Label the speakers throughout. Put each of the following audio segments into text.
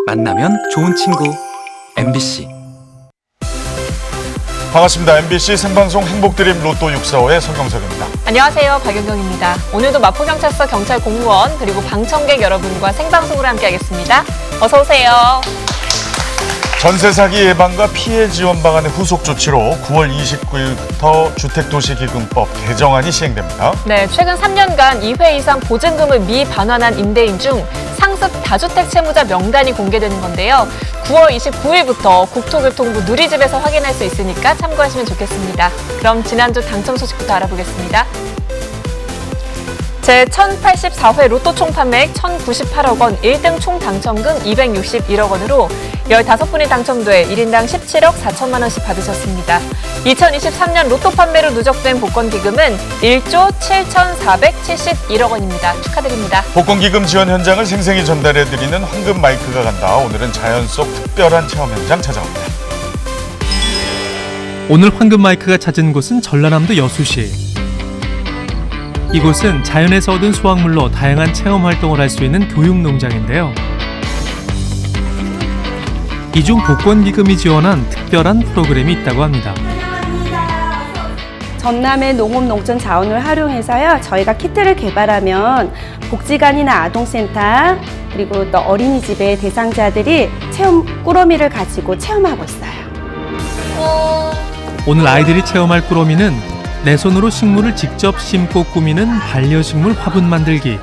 Speaker 1: 만나면 좋은 친구 MBC.
Speaker 2: 반갑습니다. MBC 생방송 행복드림 로또 645의 성경석입니다.
Speaker 3: 안녕하세요. 박윤경입니다. 오늘도 마포경찰서 경찰 공무원 그리고 방청객 여러분과 생방송으로 함께하겠습니다. 어서 오세요.
Speaker 2: 전세 사기 예방과 피해 지원 방안의 후속 조치로 9월 29일부터 주택도시기금법 개정안이 시행됩니다.
Speaker 3: 네, 최근 3년간 2회 이상 보증금을 미반환한 임대인 중 상습 다주택 채무자 명단이 공개되는 건데요. 9월 29일부터 국토교통부 누리집에서 확인할 수 있으니까 참고하시면 좋겠습니다. 그럼 지난주 당첨 소식부터 알아보겠습니다. 제1084회 로또 총 판매액 1,098억 원, 1등 총 당첨금 261억 원으로 15분이 당첨돼 1인당 17억 4천만 원씩 받으셨습니다. 2023년 로또 판매로 누적된 복권기금은 1조 7,471억 원입니다. 축하드립니다.
Speaker 2: 복권기금 지원 현장을 생생히 전달해드리는 황금 마이크가 간다. 오늘은 자연 속 특별한 체험 현장 찾아옵니다.
Speaker 4: 오늘 황금 마이크가 찾은 곳은 전라남도 여수시. 이곳은 자연에서 얻은 수확물로 다양한 체험 활동을 할 수 있는 교육농장인데요. 이 중 복권기금이 지원한 특별한 프로그램이 있다고 합니다.
Speaker 5: 전남의 농업 농촌 자원을 활용해서요, 저희가 키트를 개발하면 복지관이나 아동센터 그리고 또 어린이집의 대상자들이 체험 꾸러미를 가지고 체험하고 있어요.
Speaker 4: 오늘 아이들이 체험할 꾸러미는 내 손으로 식물을 직접 심고 꾸미는 반려식물 화분 만들기.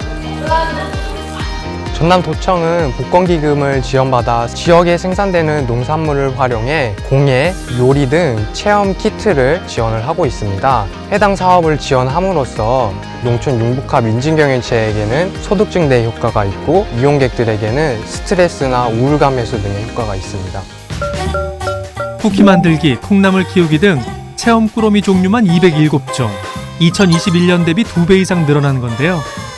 Speaker 6: 전남도청은 복권기금을 지원받아 지역에 생산되는 농산물을 활용해 공예, 요리 등 체험 키트를 지원을 하고 있습니다. 해당 사업을 지원함으로써 농촌 융복합 인증경연체에게는 소득 증대 효과가 있고 이용객들에게는 스트레스나 우울감 해소 등의 효과가 있습니다.
Speaker 4: 쿠키 만들기, 콩나물 키우기 등 체험 꾸러미 종류만 207종, 2021년 대비 2배 이상 늘어난 건데요.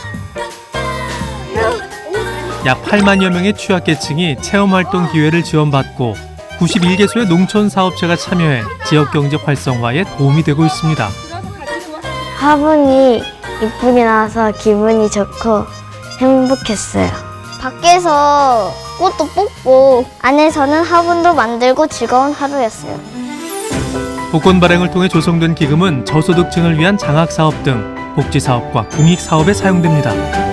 Speaker 4: 약 8만여 명의 취약계층이 체험활동 기회를 지원받고 91개소의 농촌사업체가 참여해 지역경제 활성화에 도움이 되고 있습니다.
Speaker 7: 화분이 이쁘게 나와서 기분이 좋고 행복했어요. 밖에서 꽃도 뽑고 안에서는 화분도 만들고 즐거운 하루였어요.
Speaker 4: 복권 발행을 통해 조성된 기금은 저소득층을 위한 장학사업 등 복지사업과 공익사업에 사용됩니다.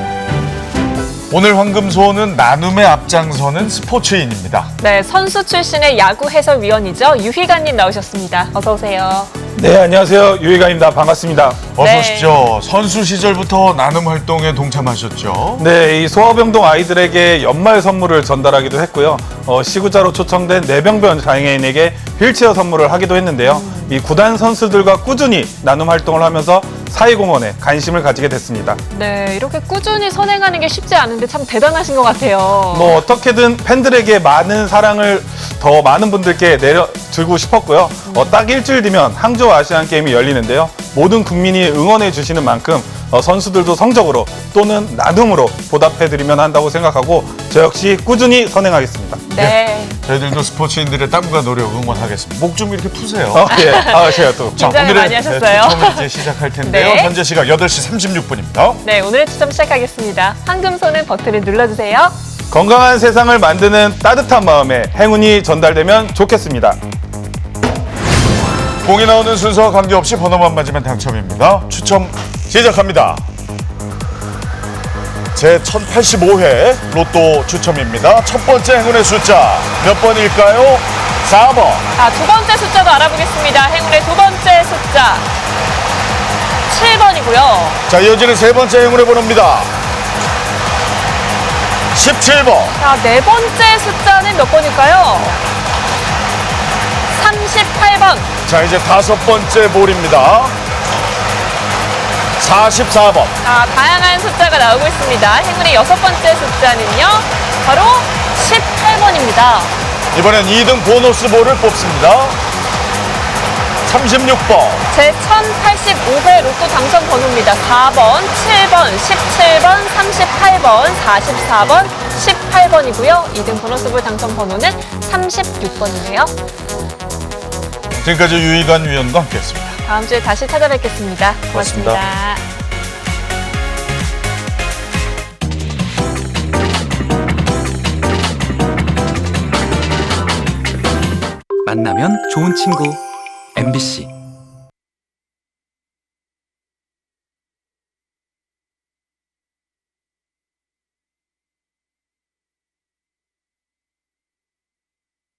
Speaker 2: 오늘 황금소원은 나눔의 앞장서는 스포츠인입니다.
Speaker 3: 네, 선수 출신의 야구 해설위원이죠. 유희관님 나오셨습니다. 어서 오세요.
Speaker 8: 네, 안녕하세요. 유희관입니다. 반갑습니다.
Speaker 2: 어서
Speaker 3: 네.
Speaker 2: 오십시오. 선수 시절부터 나눔 활동에 동참하셨죠?
Speaker 8: 네, 이 소아병동 아이들에게 연말 선물을 전달하기도 했고요. 시구자로 초청된 뇌병변 장애인에게 휠체어 선물을 하기도 했는데요. 이 구단 선수들과 꾸준히 나눔 활동을 하면서 사회공헌에 관심을 가지게 됐습니다.
Speaker 3: 네, 이렇게 꾸준히 선행하는 게 쉽지 않은데 참 대단하신 것 같아요.
Speaker 8: 뭐 어떻게든 팬들에게 많은 사랑을 더 많은 분들께 내려주고 싶었고요. 딱 일주일 뒤면 항저우 아시안 게임이 열리는데요. 모든 국민이 응원해 주시는 만큼 선수들도 성적으로 또는 나눔으로 보답해드리면 한다고 생각하고 저 역시 꾸준히 선행하겠습니다.
Speaker 3: 네.
Speaker 2: 저희들도 스포츠인들의 땀과 노력 응원하겠습니다. 목 좀 이렇게 푸세요.
Speaker 8: 예. 제가 또.
Speaker 3: 긴장을 많이 하셨어요.
Speaker 2: 추첨을 이제 시작할 텐데요.
Speaker 3: 네.
Speaker 2: 현재 시각 8시 36분입니다.
Speaker 3: 네, 오늘의 추첨 시작하겠습니다. 황금손은 버튼을 눌러주세요.
Speaker 8: 건강한 세상을 만드는 따뜻한 마음에 행운이 전달되면 좋겠습니다.
Speaker 2: 공이 나오는 순서와 관계없이 번호만 맞으면 당첨입니다. 추첨 시작합니다. 제1085회 로또 추첨입니다. 첫 번째 행운의 숫자 몇 번일까요? 4번.
Speaker 3: 자, 두 번째 숫자도 알아보겠습니다. 행운의 두 번째 숫자 7번이고요.
Speaker 2: 자, 이어지는 세 번째 행운의 번호입니다. 17번.
Speaker 3: 자, 네 번째 숫자는 몇 번일까요? 38번.
Speaker 2: 자, 이제 다섯 번째 볼입니다. 44번.
Speaker 3: 자, 다양한 숫자가 나오고 있습니다. 행운의 여섯 번째 숫자는요, 바로 18번입니다.
Speaker 2: 이번엔 2등 보너스 볼을 뽑습니다. 36번.
Speaker 3: 제1085회 로또 당첨 번호입니다. 4번, 7번, 17번, 38번, 44번, 18번이고요. 2등 보너스볼 당첨 번호는 36번이네요.
Speaker 2: 지금까지 유희관 위원과 함께했습니다.
Speaker 3: 다음 주에 다시 찾아뵙겠습니다. 고맙습니다.
Speaker 1: 만나면 좋은 친구 MBC